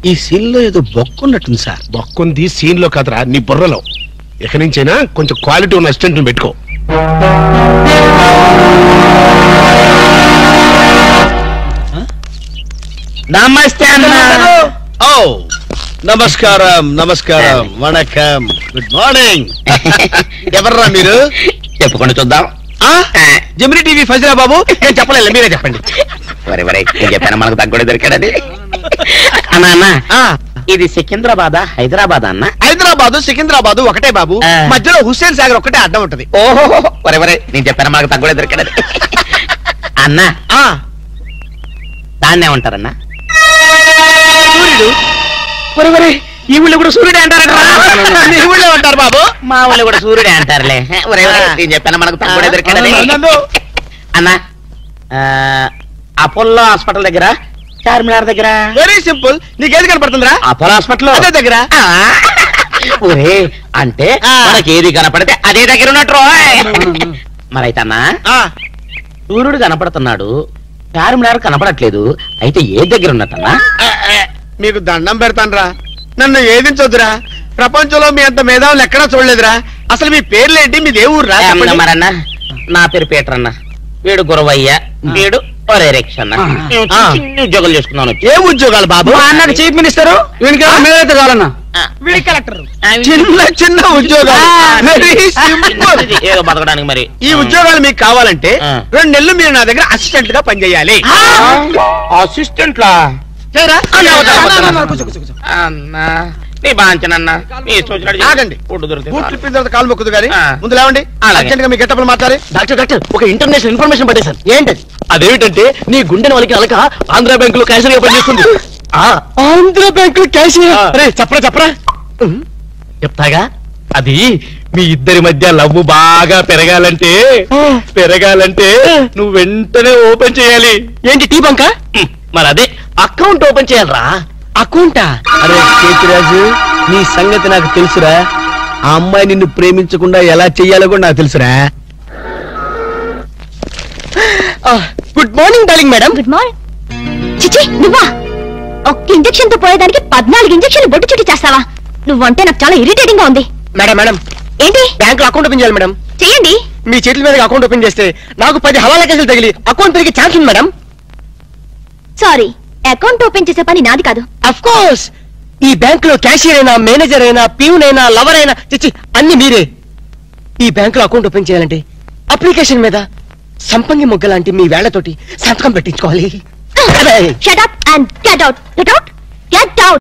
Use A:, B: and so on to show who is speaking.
A: ఈ సీన్ లో ఏదో బొక్కున్నట్టుంది సార్.
B: బొక్కుంది సీన్ లో కదరా, నీ బుర్రలో. ఇక నుంచైనా కొంచెం క్వాలిటీ ఉన్న అసిస్టెంట్ పెట్టుకో.
A: నమస్తే అన్న. ఓ నమస్కారం నమస్కారం, వణకం, గుడ్ మార్నింగ్. ఎవర్రా మీరు?
C: చెప్పుకొని చూద్దాం.
A: జమిని టీవీ ఫజరా బాబు. నేను చెప్పలేదు, మీరే చెప్పండి.
C: వరే వరే, నేను చెప్పాను మనకు తగ్గడే దొరికాడని. అన్నా అన్న, ఇది సికింద్రాబాద్ హైదరాబాద్ అన్న?
A: హైదరాబాద్ సికింద్రాబాద్ ఒకటే బాబు, మధ్యలో హుస్సేన్ సాగర్ ఒకటే అడ్డం ఉంటది.
C: ఓహో వరే వరే, నేను చెప్పాను మనకు తగ్గడే దొరికాడని. అన్న దాన్నే ఏమంటారన్నా?
A: సూర్యుడు. వరే వరే, ఈ ఊళ్ళో కూడా సూర్యుడే అంటారు. ఈ ఊళ్ళో ఉంటారు బాబు.
C: మా ఊళ్ళో కూడా సూర్యుడే అంటారులే. వరే వరే, నేను చెప్పాను మనకు తగ్గడే దొరికాడని. అన్న, అపోలో హాస్పిటల్ దగ్గర, చార్మినార్ దగ్గర.
A: Very simple. నీకేది కనపడుతుందిరా?
C: అపోలో హాస్పిటల్
A: అదే దగ్గర.
C: ఒరే, అంటే మనకి ఏది కనపడితే అదే దగ్గర ఉన్నట్టు. మరైతే అన్నా, సూర్యుడు కనపడుతున్నాడు, చార్మినార్ కనపడట్లేదు, అయితే ఏ దగ్గర ఉన్నట్టన్నా?
A: మీకు దండం పెడతానరా, నన్ను ఏదించొద్దురా. ప్రపంచంలో మీ అంత మేధావులు ఎక్కడా చూడలేదురా. అసలు మీ పేర్లేంటి, మీది ఏ ఊరు రా?
C: మరన్నా, నా పేరు పీటర్ అన్న, వీడు గురవయ్య, వీడు ఒరే రిక్ష అన్న. ఉద్యోగాలు చేసుకున్నాను.
A: ఏ ఉద్యోగాలు బాబు?
C: అన్నకు చీఫ్ మినిస్టర్,
A: వీడికి కావాలన్నా
C: కలెక్టర్.
A: చిన్న చిన్న ఉద్యోగాలు.
C: ఏదో బతకడానికి. మరి
A: ఈ ఉద్యోగాలు మీకు కావాలంటే 2 నెలలు మీరు నా దగ్గర అసిస్టెంట్ గా పనిచేయాలి.
C: అసిస్టెంట్ లా? అన్నా నీ బాంచనన్నా,
A: ఆగండి. బూట్లు ఇప్పిన తర్వాత కాలు మొక్కుదు కానీ ముందు లేవండి. అర్జెంట్ గా మీ గెటప్లు మార్చాలి.
C: డాక్టర్ ఒక ఇంటర్నేషనల్ ఇన్ఫర్మేషన్ పట్టేశాను.
A: ఏంటది?
C: అదేమిటంటే నీ గుండెని వాళ్ళకి అలక ఆంధ్ర బ్యాంకులో క్యాషియర్ గా పనిచేస్తుంది.
A: Andhra Bank cashier?
C: చెప్పరా చెప్తాగా. అది మీ ఇద్దరి మధ్య లవ్ బాగా పెరగాలంటే నువ్వు వెంటనే ఓపెన్ చేయాలి.
A: ఏంటి, టీ బంక?
C: మరి అదే అకౌంట్ ఓపెన్ చేయాలరా.
A: అకౌంటా? అరే కేతిరాజు, నీ సంగతి నాకు తెలుసురా. ఆ అమ్మాయి నిన్ను ప్రేమించకుండా ఎలా చెయ్యాలో కూడా నాకు తెలుసురా. Good morning darling madam.
D: Good morning. చిచి, నువ్వా? ఒక్క ఇంజెక్షన్ తో పోయేదానికి 14 ఇంజెక్షన్లు బొట్టు చుట్టి చేస్తావా? నువ్వంటే నాకు చాలా ఇరిటేటింగ్ గా ఉంది.
A: మేడం
D: ఏంటి?
A: బ్యాంక్ లో అకౌంట్ ఓపెన్ చేయాలి మేడం.
D: చెయ్యండి.
A: మీ చేతుల మీద అకౌంట్ ఓపెన్ చేస్తే నాకు 10 హవాలా కేసులు తగిలి అకౌంట్ పెరిగే ఛాన్స్ ఉంది మేడం.
D: సారీ, అకౌంట్ ఓపెన్ చేసే పని నాది కాదు.
A: అఫ్ కోర్స్, ఈ బ్యాంక్ లో క్యాషియర్ అయినా, మేనేజర్ అయినా, ప్యూన్ అయినా, లవర్ అయినా, చిచ్చి అన్ని మీరే. ఈ బ్యాంక్ లో అకౌంట్ ఓపెన్ చేయాలంటే అప్లికేషన్ మీద సంపంగి మొగ్గ లాంటి మీ వేళ్లతోటి సంతకం పెట్టించుకోవాలి.
D: Shut up and get out. Get out.